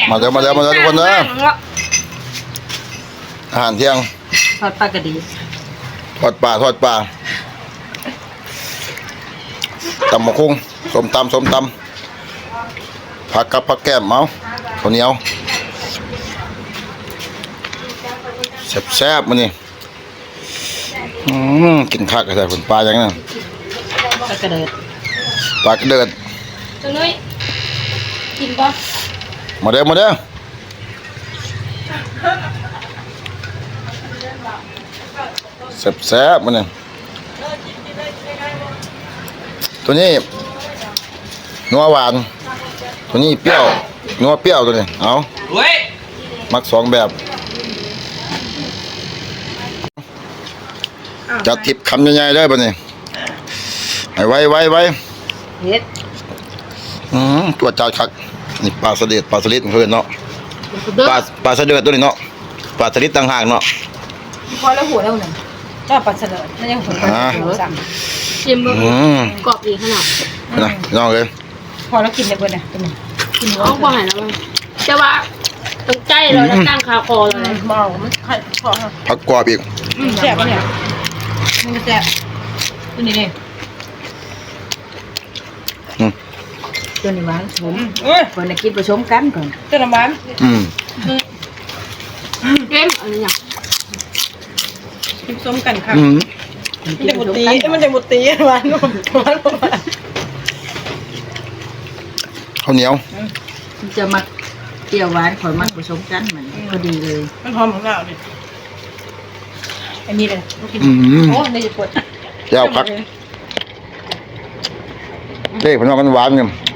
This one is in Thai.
มาเดี๋ยวทุกคนเด้ออาหารเที่ยงทอดปลากระดีทอดปลาตำมะคุ้งส้มตำผักกับผักแก้มเมาข้าวเหนียวแซ่บๆมื้อนี้กินคักใส่ผลปลาอย่างนั้นปลากระเดิดปลากระเดิดจังเลยกินปะมาเด้อแซ่บๆมื้อนี้ตัวนี้นัวหวานตัวนี้เปรี้ยวนัวเปรี้ยวตัวนี้เอามักสองแบบจัดทิพย์คำใหญ่ๆเลยบัดนี้ให้ไวเฮ็ดตัวจานคักนี่ปลาสลิดเพิ่นเนาะเด้อปลาสลิดตัวนี้เนาะปลาสลิดต่างหากเนาะพอแล้วหัวแล้วหนึ่งก็ปลาเสลิดนั่นยังหัวปลาเสลิดสั่งชิมเบิ่งกรอบดีขนาดนะน้องเลยพอแล้วกินได้เบิดน่ะตัวนี้กินหัวเอาบ่ให้แล้วมั้งแต่ว่าต้องใจเราแล้วตั้งคาคอเลยเมามันไข่พอผักกรอบอีกแซ่บปะเนี่ยมันก็แซ่บตัวนี้นี่ตัวนี้หวานผมคนละกินผสมกันก่อนตัวน้ำหวานเอ็มอะไรเนี่ยผสมกันค่ะมันจะหมดตีหวานข้าวเหนียวมันจะมาเปรี้ยวหวานขอยมันผสมกันมันพอดีเลยมันหอมของเราเนี่ยอันนี้เลยโอ้ในญี่ปุ่นแก้วผักเจ๊ผมว่ามันหวานกัน